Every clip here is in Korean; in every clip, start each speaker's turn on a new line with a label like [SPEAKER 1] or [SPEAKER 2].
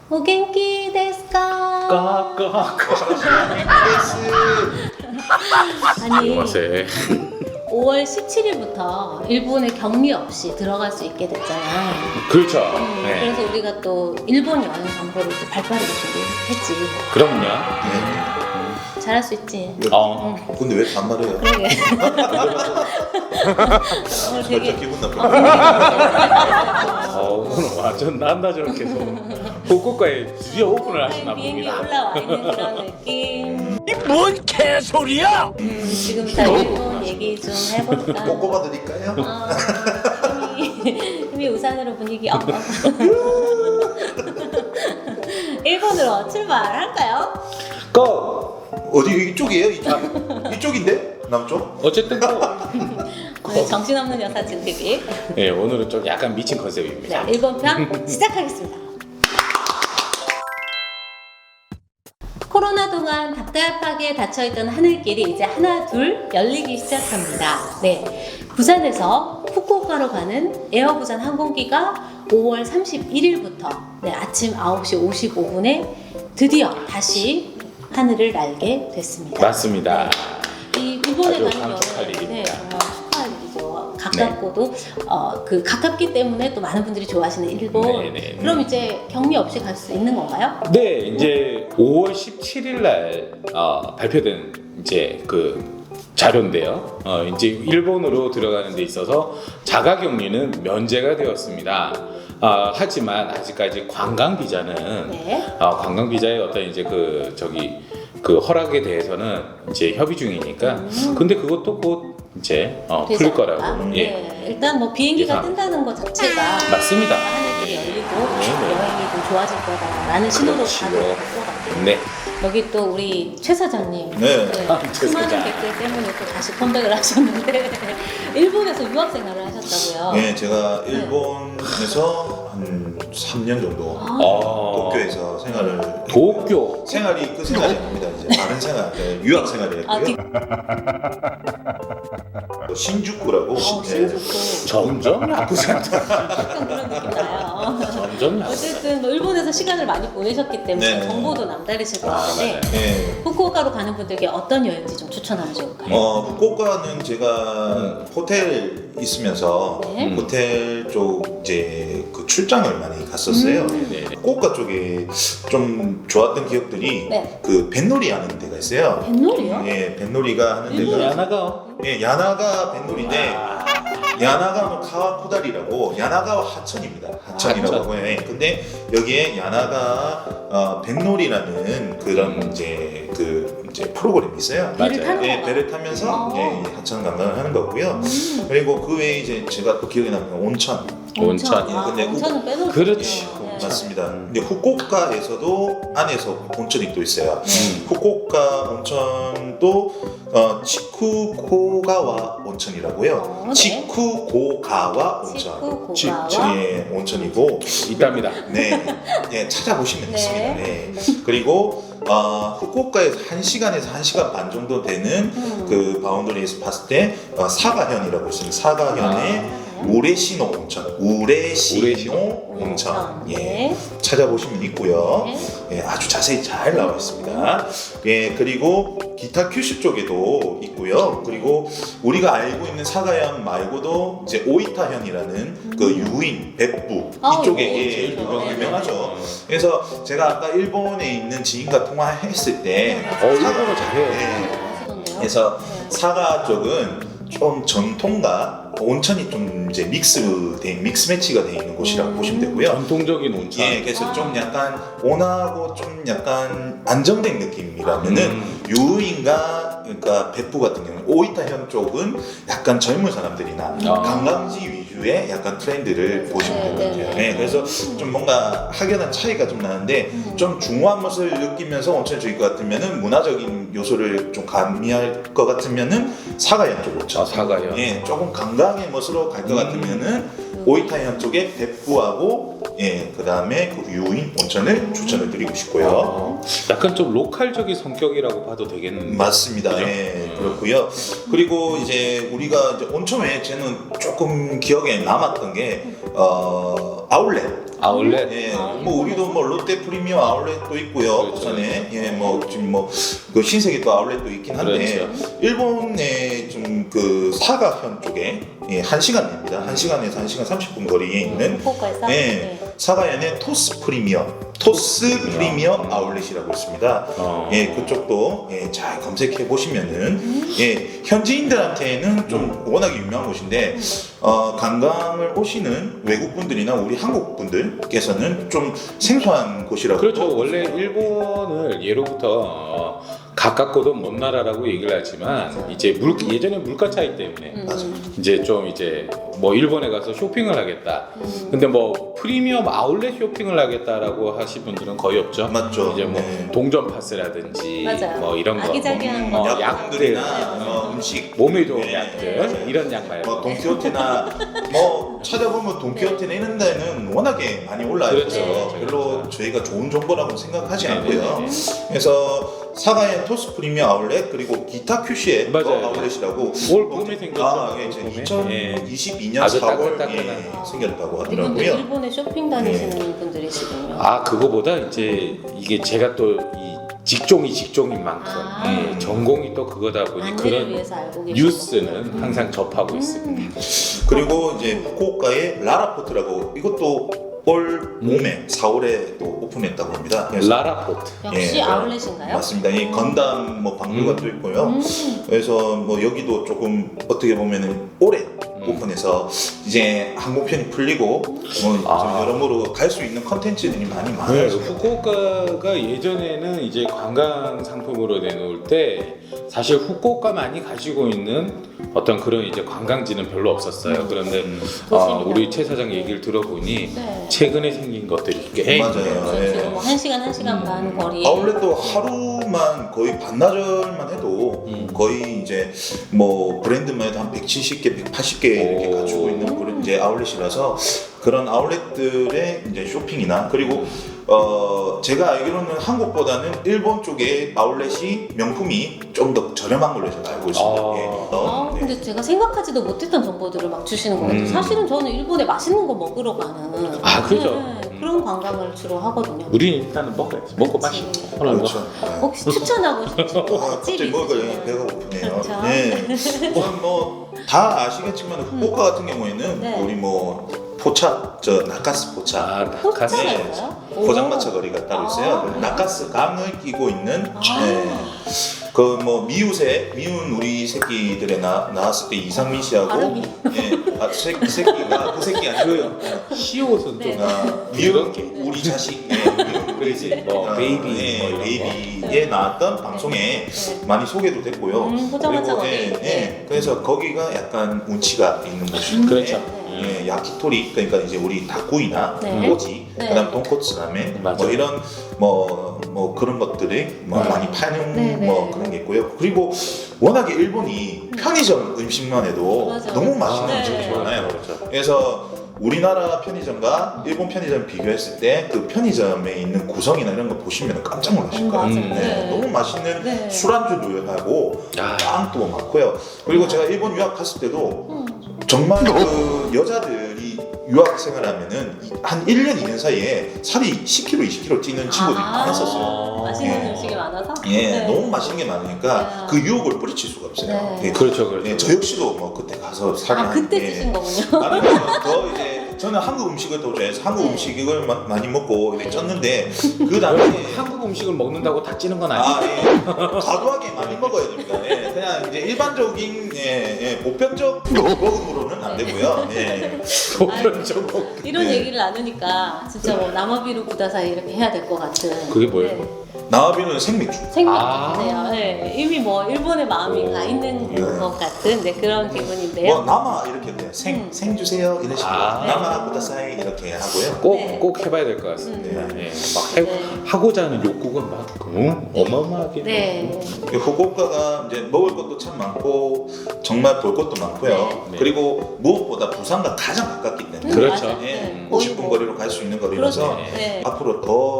[SPEAKER 1] 오겐키 데스까? 아니
[SPEAKER 2] 안녕하세요.
[SPEAKER 1] 5월 17일부터 일본에 격리 없이 들어갈 수 있게 됐잖아.
[SPEAKER 2] 그렇죠. 네.
[SPEAKER 1] 그래서 우리가 또 일본 여행 정보를 또 발빠르게 준비했지.
[SPEAKER 2] 그럼요.
[SPEAKER 1] 잘할 수 있지.
[SPEAKER 3] 근데 왜 반말해요?
[SPEAKER 1] 그러게. 오늘 되게
[SPEAKER 3] 살짝 기분 나쁘네.
[SPEAKER 2] 오늘 완전 난다저렇게 해서 후쿠오카에 드디어 오픈을 하시나
[SPEAKER 1] 비행기
[SPEAKER 2] 봅니다.
[SPEAKER 1] 올라와 있는 그런 느낌.
[SPEAKER 2] 이 뭔 개소리야!
[SPEAKER 1] 지금 다 일본 얘기 좀 해볼까?
[SPEAKER 3] 꼬꼬마 드릴까요?
[SPEAKER 1] 힘이 우산으로 분위기 업. 일본으로 출발할까요?
[SPEAKER 2] 고!
[SPEAKER 3] 어디 이쪽이에요? 이쪽인데? 남쪽?
[SPEAKER 2] 어쨌든
[SPEAKER 1] 오늘 정신없는 여사 진TV.
[SPEAKER 2] 네, 오늘은 좀 약간 미친 컨셉입니다.
[SPEAKER 1] 네, 일본 편 시작하겠습니다. 코로나 동안 답답하게 닫혀있던 하늘길이 이제 하나 둘 열리기 시작합니다. 네, 부산에서 후쿠오카로 가는 에어부산 항공기가 5월 31일부터 아침 9시 55분에 드디어 다시 하늘을 날게 됐습니다.
[SPEAKER 2] 맞습니다.
[SPEAKER 1] 이 일본에
[SPEAKER 2] 아주
[SPEAKER 1] 가는
[SPEAKER 2] 감축할
[SPEAKER 1] 여행
[SPEAKER 2] 일입니다.
[SPEAKER 1] 정말 축하할 일이죠. 가깝고도 그 가깝기 때문에 또 많은 분들이 좋아하시는 일본.
[SPEAKER 2] 네네.
[SPEAKER 1] 그럼 이제 격리 없이 갈 수 있는 건가요?
[SPEAKER 2] 네, 이제 5월 17일 날 발표된 이제 그 자료인데요. 이제 일본으로 들어가는 데 있어서 자가격리는 면제가 되었습니다. 하지만 아직까지 관광 비자는
[SPEAKER 1] 네.
[SPEAKER 2] 관광 비자의 어떤 이제 그 허락에 대해서는 이제 협의 중이니까. 근데 그것도 곧 이제
[SPEAKER 1] 되지
[SPEAKER 2] 풀릴
[SPEAKER 1] 않을까?
[SPEAKER 2] 거라고. 예.
[SPEAKER 1] 네. 일단 뭐 비행기가
[SPEAKER 2] 예상.
[SPEAKER 1] 뜬다는 것 자체가
[SPEAKER 2] 맞습니다.
[SPEAKER 1] 하늘길이 열리고
[SPEAKER 2] 네.
[SPEAKER 1] 여행이 좀 좋아질 거다라는 신호로
[SPEAKER 2] 그렇지요.
[SPEAKER 1] 봐도 될 것 같아요.
[SPEAKER 2] 네.
[SPEAKER 1] 여기 또 우리 최 사장님
[SPEAKER 3] 네.
[SPEAKER 2] 최
[SPEAKER 1] 수많은
[SPEAKER 2] 사장.
[SPEAKER 1] 댓글 때문에 또 다시 컴백을 하셨는데 일본에서 유학 생활을 하셨다고요?
[SPEAKER 3] 네, 제가 일본에서 한 3년 정도 도쿄에서 생활을
[SPEAKER 2] 도쿄.
[SPEAKER 3] 생활이 그 생활이 아닙니다. 이제 다른 생활, 유학 생활을 했고요. 신주쿠라고.
[SPEAKER 1] 신주쿠.
[SPEAKER 2] 점점 야쿠자.
[SPEAKER 1] 약간 그런 느낌 나요.
[SPEAKER 2] 점점 야쿠자.
[SPEAKER 1] 어쨌든 뭐 일본에서 시간을 많이 보내셨기 때문에
[SPEAKER 3] 네.
[SPEAKER 1] 정보도 남다르실 것 같은데
[SPEAKER 3] 네.
[SPEAKER 1] 후쿠오카로 가는 분들께 어떤 여행지 좀 추천하면 좋을까요?
[SPEAKER 3] 후쿠오카는 제가 호텔 있으면서
[SPEAKER 1] 네.
[SPEAKER 3] 호텔 쪽 이제 그 출장을 많이 갔었어요.
[SPEAKER 2] 네.
[SPEAKER 3] 후쿠오카 쪽에 좀 좋았던 기억들이
[SPEAKER 1] 네.
[SPEAKER 3] 그 뱃놀이 하는 데가 있어요.
[SPEAKER 1] 뱃놀이요?
[SPEAKER 3] 예, 뱃놀이가 하는 데가
[SPEAKER 2] 야나가.
[SPEAKER 3] 예, 야나가 뱃놀이인데 야나가노 카와쿠다리라고 야나가와 하천입니다. 하천이라고
[SPEAKER 2] 하천.
[SPEAKER 3] 하고요. 예, 근데 여기에 야나가 뱃놀이라는 그런 이제 이제 프로그램이 있어요.
[SPEAKER 1] 배를 타는
[SPEAKER 3] 예,
[SPEAKER 1] 건가요?
[SPEAKER 3] 배를 타면서
[SPEAKER 1] 어.
[SPEAKER 3] 이제 하천 관광을 하는 거고요. 그리고 그 외에 이제 제가 또 기억에 남는 건 온천.
[SPEAKER 2] 온천.
[SPEAKER 1] 아,
[SPEAKER 3] 근데
[SPEAKER 1] 온천은 빼놓을 수
[SPEAKER 2] 그렇지.
[SPEAKER 1] 없네요. 네.
[SPEAKER 3] 맞습니다. 근데 후쿠오카에서도 안에서 온천이 또 있어요. 후쿠오카 온천도 치쿠고가와 온천이라고요.
[SPEAKER 1] 네.
[SPEAKER 3] 치쿠고가와 온천.
[SPEAKER 1] 치쿠고가와
[SPEAKER 3] 예, 온천이고
[SPEAKER 2] 있답니다.
[SPEAKER 3] 네, 네 찾아보시면
[SPEAKER 1] 네.
[SPEAKER 3] 있습니다. 네. 그리고 후쿠오카에서 1시간에서 1시간 반 정도 되는 그 바운더리에서 봤을 때 사가현이라고 있습니다. 사가현의 우레시노 온천, 우레시노 온천. 예,
[SPEAKER 1] 네.
[SPEAKER 3] 찾아보시면 있고요.
[SPEAKER 1] 네.
[SPEAKER 3] 예, 아주 자세히 잘 나와 있습니다. 예, 그리고 기타 큐슈 쪽에도 있고요. 그리고 우리가 알고 있는 사가현 말고도 이제 오이타현이라는 그 유인, 백부
[SPEAKER 1] 아,
[SPEAKER 3] 이쪽에
[SPEAKER 1] 이거
[SPEAKER 3] 예,
[SPEAKER 1] 제일 유명해요.
[SPEAKER 3] 유명하죠. 그래서 제가 아까 일본에 있는 지인과 통화했을 때
[SPEAKER 2] 일본어 잘해요.
[SPEAKER 3] 예,
[SPEAKER 1] 하시던데요?
[SPEAKER 3] 그래서
[SPEAKER 1] 네.
[SPEAKER 3] 사가 쪽은 좀 전통과 온천이 좀 이제 믹스 매치가 돼 있는 곳이라고 보시면 되고요.
[SPEAKER 2] 전통적인 온천.
[SPEAKER 3] 예, 그래서 좀 약간 온화하고 좀 약간 안정된 느낌이라면은 유인과 그러니까 백부 같은 경우는 오이타현 쪽은 약간 젊은 사람들이나 관광지 위주의 약간 트렌드를 보시면 될 것 같아요. 네, 그래서 좀 뭔가 확연한 차이가 좀 나는데 좀 중후한 맛을 느끼면서 온천을 즐길 것 같으면은 문화적인 요소를 좀 가미할 것 같으면은 사가현 쪽 온천.
[SPEAKER 2] 사가현.
[SPEAKER 3] 예, 조금 관광의 멋으로 갈 것 같으면은 오이타현 쪽에 백부하고 그 다음에 그 유인 온천을 추천을 드리고 싶고요.
[SPEAKER 2] 약간 좀 로컬적인 성격이라고 봐도 되겠는데.
[SPEAKER 3] 맞습니다.
[SPEAKER 2] 그죠?
[SPEAKER 3] 예, 그렇고요. 그리고 이제 우리가 이제 온천 외에 저는 조금 기억에 남았던 게 아울렛.
[SPEAKER 2] 아울렛.
[SPEAKER 3] 예,
[SPEAKER 1] 아,
[SPEAKER 3] 뭐 우리도 뭐 롯데 프리미엄 아울렛도 있고요.
[SPEAKER 2] 그렇죠.
[SPEAKER 3] 부산에 예, 뭐 지금 뭐 그 신세계 또 아울렛도 있긴 한데
[SPEAKER 2] 그렇죠.
[SPEAKER 3] 일본의 좀 그 사가현 쪽에 예, 1시간 됩니다. 1시간에서 1시간 30분 거리에 있는
[SPEAKER 1] 후쿠오카에서
[SPEAKER 3] 예,
[SPEAKER 1] 네.
[SPEAKER 3] 사가현의 토스 프리미엄 아울렛이라고 있습니다. 예, 그쪽도 예, 잘 검색해 보시면은 예, 현지인들한테는 좀 워낙에 유명한 곳인데 관광을 오시는 외국 분들이나 우리 한국 분들께서는 좀 생소한 곳이라고.
[SPEAKER 2] 그렇죠. 원래 일본을 예로부터 가깝고도 먼 나라라고 얘기를 하지만 이제 예전에 물가 차이 때문에
[SPEAKER 3] 맞아.
[SPEAKER 2] 이제 좀 이제 뭐 일본에 가서 쇼핑을 하겠다. 근데 뭐 프리미엄 아울렛 쇼핑을 하겠다라고 하신 분들은 거의 없죠.
[SPEAKER 3] 맞죠.
[SPEAKER 2] 이제 뭐
[SPEAKER 3] 네.
[SPEAKER 2] 동전 파스라든지
[SPEAKER 1] 맞아요.
[SPEAKER 2] 뭐 이런 거,
[SPEAKER 1] 아기자기한
[SPEAKER 2] 뭐,
[SPEAKER 1] 거.
[SPEAKER 3] 약품들이나 음식
[SPEAKER 2] 몸에 좋은
[SPEAKER 3] 네.
[SPEAKER 2] 약들 이런 약 말고.
[SPEAKER 3] 뭐 돈키호테나 뭐 찾아보면 돈키호테나 이런 데는 워낙에 많이 올라와 있어서
[SPEAKER 2] 그렇죠.
[SPEAKER 3] 별로
[SPEAKER 2] 그렇죠.
[SPEAKER 3] 저희가 좋은 정보라고 생각하지
[SPEAKER 2] 네,
[SPEAKER 3] 않고요.
[SPEAKER 2] 네, 네.
[SPEAKER 3] 그래서 사가의 토스 프리미엄 아울렛 그리고 기타 큐시의
[SPEAKER 2] 맞아요.
[SPEAKER 3] 아울렛이라고
[SPEAKER 2] 올 봄에 생겼죠.
[SPEAKER 3] 아, 예, 이제
[SPEAKER 2] 봄에. 예.
[SPEAKER 3] 2022년
[SPEAKER 2] 아주
[SPEAKER 3] 4월
[SPEAKER 2] 따끈따끈한.
[SPEAKER 3] 예, 생겼다고
[SPEAKER 1] 이분들
[SPEAKER 3] 하더라고요.
[SPEAKER 1] 일본에 쇼핑 다니시는 분들이시군요.
[SPEAKER 2] 아 그거보다 이제 이게 제가 또 이 직종인 만큼
[SPEAKER 1] 아.
[SPEAKER 2] 예, 전공이 또 그거다 보니
[SPEAKER 1] 안내를
[SPEAKER 2] 그런
[SPEAKER 1] 위해서 알고 계시는
[SPEAKER 2] 뉴스는 항상 접하고 있습니다.
[SPEAKER 3] 그리고 이제 후쿠오카의 라라포트라고 이것도 올 봄에 4월에 또 오픈했다고 합니다. 그래서
[SPEAKER 2] 라라포트.
[SPEAKER 1] 역시
[SPEAKER 3] 예,
[SPEAKER 1] 아울렛인가요?
[SPEAKER 3] 맞습니다. 이 건담 뭐 방류관도 있고요. 그래서 뭐 여기도 조금 어떻게 보면은 올해 오픈해서 이제 항공편이 풀리고 뭐 좀
[SPEAKER 2] 아.
[SPEAKER 3] 여러모로 갈 수 있는 컨텐츠들이 많이
[SPEAKER 2] 네,
[SPEAKER 3] 많아요.
[SPEAKER 2] 후쿠오카가 예전에는 이제 관광 상품으로 내놓을 때 사실 후쿠오카만이 가지고 있는 어떤 그런 이제 관광지는 별로 없었어요. 그런데
[SPEAKER 1] 도시입니다.
[SPEAKER 2] 우리 최 사장 얘기를 들어보니
[SPEAKER 1] 네.
[SPEAKER 2] 최근에 생긴 것들이 꽤
[SPEAKER 3] 맞아요.
[SPEAKER 1] 그래서
[SPEAKER 3] 예.
[SPEAKER 1] 지금 뭐 1시간 반 거리에
[SPEAKER 3] 아울렛도 하루만 거의 반나절만 해도 거의 이제 뭐 브랜드만 해도 한 170개, 180개 이렇게
[SPEAKER 2] 오.
[SPEAKER 3] 가지고 있는 그런 이제 아울렛이라서 그런 아울렛들의 이제 쇼핑이나 그리고 제가 알기로는 한국보다는 일본 쪽의 아울렛이 명품이 좀 더 저렴한 걸로 제가 알고 있습니다.
[SPEAKER 2] 아.
[SPEAKER 1] 아,
[SPEAKER 3] 네.
[SPEAKER 1] 근데 제가 생각하지도 못했던 정보들을 막 주시는 것 같아요. 사실은 저는 일본에 맛있는 거 먹으러 가는
[SPEAKER 2] 아, 그죠.
[SPEAKER 1] 그런 관광을 주로 하거든요.
[SPEAKER 2] 우린 일단은 먹어야지. 먹고
[SPEAKER 1] 그치.
[SPEAKER 2] 마시고 하는 거.
[SPEAKER 3] 그렇죠. 네.
[SPEAKER 1] 혹시 추천하고 싶은
[SPEAKER 3] 아, 갑자기
[SPEAKER 1] 집이
[SPEAKER 3] 먹으니까
[SPEAKER 1] 있으세요?
[SPEAKER 3] 배가 고프네요.
[SPEAKER 1] 그렇죠.
[SPEAKER 3] 네. 우선 뭐 다 아시겠지만 후쿠오카 같은 경우에는
[SPEAKER 1] 네.
[SPEAKER 3] 우리 뭐 포차, 저 나카스 포차,
[SPEAKER 2] 아,
[SPEAKER 1] 포차가
[SPEAKER 2] 가스.
[SPEAKER 3] 네.
[SPEAKER 1] 있어요?
[SPEAKER 3] 포장마차 거리가 따로 있어요.
[SPEAKER 1] 아.
[SPEAKER 3] 나카스 감을 끼고 있는
[SPEAKER 1] 아.
[SPEAKER 3] 그 뭐 미운 우리 새끼들에 나왔을 때 이상민 씨하고
[SPEAKER 1] 발음이.
[SPEAKER 3] 새끼가 그 새끼 아니고요.
[SPEAKER 2] 시옷은
[SPEAKER 1] 네.
[SPEAKER 2] 좀
[SPEAKER 3] 미운
[SPEAKER 2] 게.
[SPEAKER 3] 우리 자식 미운
[SPEAKER 2] 그렇지. 뭐 베이비 뭐 이런 거.
[SPEAKER 3] 베이비에 나왔던 방송에 많이 소개도 됐고요.
[SPEAKER 1] 포장마차 거리.
[SPEAKER 3] 예,
[SPEAKER 1] 네.
[SPEAKER 3] 그래서 거기가 약간 운치가 있는 곳인데
[SPEAKER 2] 그렇죠.
[SPEAKER 3] 예, 야키토리 그러니까 이제 우리 닭구이나
[SPEAKER 1] 네.
[SPEAKER 3] 꼬지
[SPEAKER 1] 네.
[SPEAKER 3] 그다음 돈코츠 라멘
[SPEAKER 2] 맞아요.
[SPEAKER 3] 뭐 이런 뭐 그런 것들이 뭐
[SPEAKER 1] 네.
[SPEAKER 3] 많이 파는
[SPEAKER 1] 네,
[SPEAKER 3] 뭐
[SPEAKER 1] 네.
[SPEAKER 3] 그런 게 있고요. 그리고 워낙에 일본이 편의점 음식만 해도
[SPEAKER 1] 맞아요.
[SPEAKER 3] 너무 맛있는
[SPEAKER 1] 네.
[SPEAKER 3] 음식이 많아요.
[SPEAKER 2] 그렇죠.
[SPEAKER 3] 그래서 우리나라 편의점과 일본 편의점 비교했을 때 그 편의점에 있는 구성이나 이런 거 보시면 깜짝 놀라실 거예요.
[SPEAKER 1] 맞아요.
[SPEAKER 3] 네, 너무 맛있는
[SPEAKER 1] 네.
[SPEAKER 3] 술안주도 하고
[SPEAKER 2] 아.
[SPEAKER 3] 빵도 많고요. 그리고 제가 일본 유학 갔을 때도 정말 그 여자들이 유학 생활하면은 한 1년 2년 사이에 살이 10kg, 20kg 찌는 친구들이 많았었어요.
[SPEAKER 1] 맛있는
[SPEAKER 3] 예.
[SPEAKER 1] 음식이 많아서?
[SPEAKER 3] 예,
[SPEAKER 1] 네.
[SPEAKER 3] 너무 맛있는 게 많으니까
[SPEAKER 1] 네.
[SPEAKER 3] 그 유혹을 뿌리칠 수가 없어요.
[SPEAKER 1] 네.
[SPEAKER 3] 예,
[SPEAKER 2] 그렇죠, 그렇죠.
[SPEAKER 3] 예, 저 역시도 뭐 그때 가서 살이
[SPEAKER 1] 아, 그때
[SPEAKER 3] 예.
[SPEAKER 1] 드신 거군요.
[SPEAKER 3] 아니면 더 이제 저는 한국 음식을 더 좋아해서 한국
[SPEAKER 1] 네.
[SPEAKER 3] 음식을 많이 먹고 이렇게 쪘는데 그 당시에
[SPEAKER 2] 한국 음식을 먹는다고 다 찌는 건 아니에요.
[SPEAKER 3] 아, 예. 과도하게 많이 먹어야 됩니다. 예. 그냥 이제 일반적인 보편적 먹음으로는 안 되고요. 예.
[SPEAKER 2] 보편적으로.
[SPEAKER 1] 이런
[SPEAKER 3] 네.
[SPEAKER 1] 얘기를 나누니까 진짜 뭐 남아비루 구다사이 이렇게 해야 될 것 같은.
[SPEAKER 2] 그게 뭐예요?
[SPEAKER 1] 네.
[SPEAKER 3] 나와비는 생맥주.
[SPEAKER 1] 생각이네요. 네. 이미 뭐 일본의 마음이
[SPEAKER 2] 오.
[SPEAKER 1] 가 있는
[SPEAKER 3] 네.
[SPEAKER 1] 것 같은 기분인데요.
[SPEAKER 3] 뭐 남아 이렇게 돼요. 생 주세요 이런 식으로
[SPEAKER 2] 아.
[SPEAKER 3] 남아 구다사이 이렇게 하고요.
[SPEAKER 2] 꼭,
[SPEAKER 1] 네.
[SPEAKER 2] 꼭 해봐야 될 것 같습니다.
[SPEAKER 3] 네.
[SPEAKER 2] 예. 막
[SPEAKER 1] 네.
[SPEAKER 2] 하고자 하는 욕구가 막 어마어마하게.
[SPEAKER 1] 네.
[SPEAKER 3] 후쿠오카가 이제 먹을 것도 참 많고 정말 볼 것도 많고요.
[SPEAKER 2] 네.
[SPEAKER 3] 그리고 무엇보다 부산과 가장 가깝기 때문에
[SPEAKER 2] 그렇죠.
[SPEAKER 1] 맞아요.
[SPEAKER 3] 예,
[SPEAKER 1] 네.
[SPEAKER 3] 50분 거리로 갈 수 있는 거리라서
[SPEAKER 1] 그렇죠. 네.
[SPEAKER 3] 앞으로 더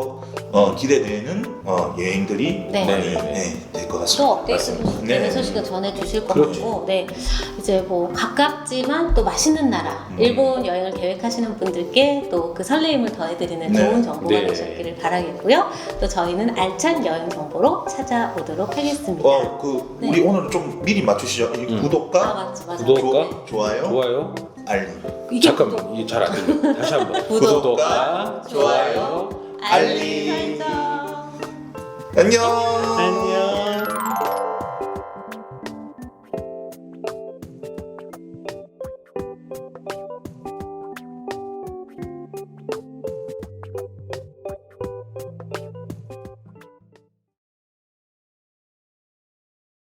[SPEAKER 3] 기대되는 여행들이
[SPEAKER 1] 네.
[SPEAKER 3] 많이
[SPEAKER 2] 네.
[SPEAKER 3] 될 것
[SPEAKER 1] 또
[SPEAKER 3] 같습니다.
[SPEAKER 1] 업데이트되는
[SPEAKER 3] 네.
[SPEAKER 1] 소식을 전해주실 것
[SPEAKER 2] 그렇죠.
[SPEAKER 1] 같고, 네, 이제 뭐 가깝지만 또 맛있는 나라, 일본 여행을 계획하시는 분들께 또 그 설레임을 더해드리는
[SPEAKER 3] 네.
[SPEAKER 1] 좋은 정보가
[SPEAKER 2] 네.
[SPEAKER 1] 되셨기를 바라겠고요. 또 저희는 알찬 여행 정보로 찾아오도록 하겠습니다. 네.
[SPEAKER 3] 우리 오늘 좀 미리 맞추시죠. 이
[SPEAKER 2] 음.
[SPEAKER 3] 구독과
[SPEAKER 1] 맞아.
[SPEAKER 2] 구독과
[SPEAKER 3] 좋아요,
[SPEAKER 2] 좋아요.
[SPEAKER 3] 알림.
[SPEAKER 1] 이게
[SPEAKER 2] 잠깐만 이게 잘 안 들려. 다시 한번.
[SPEAKER 3] 구독과 좋아요, 알림.
[SPEAKER 1] 알림 설정.
[SPEAKER 3] 안녕.
[SPEAKER 2] 안녕.